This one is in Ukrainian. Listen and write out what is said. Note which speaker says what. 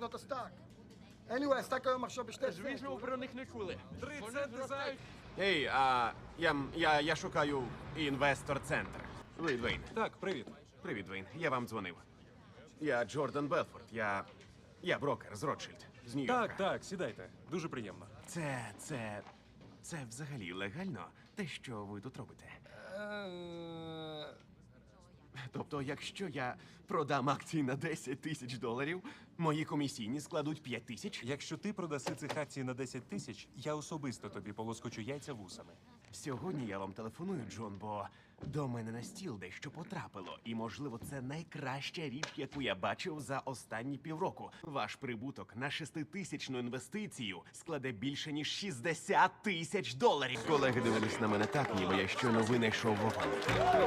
Speaker 1: לקנות את הסטאק. anyway, הסטאק היום עכשיו ב2
Speaker 2: Звісно, ви
Speaker 1: центів.
Speaker 2: про них не чули.
Speaker 3: 3 центи за...
Speaker 4: Ей, я шукаю інвестор-центр. Ви Двейн.
Speaker 3: Так, привіт.
Speaker 4: Привіт, Двейн. Я вам дзвонив. Я Джордан Белфорд. Я брокер з Ротшильд, з Нью-Йорка.
Speaker 3: Так, сідайте. Дуже приємно.
Speaker 4: Це взагалі легально, те, що ви тут робите? Тобто, якщо я продам акції на $10,000, мої комісійні складуть 5,000?
Speaker 3: Якщо ти продаси цих акцій на 10 тисяч, я особисто тобі полоскочу яйця вусами.
Speaker 4: Сьогодні я вам телефоную, Джон, бо до мене на стіл дещо потрапило. І, можливо, це найкраща річ, яку я бачив за останні півроку. Ваш прибуток на 6-тисячну інвестицію складе більше, ніж $60,000. Колеги дивились на мене так, ніби я щойно винайшов вогонь.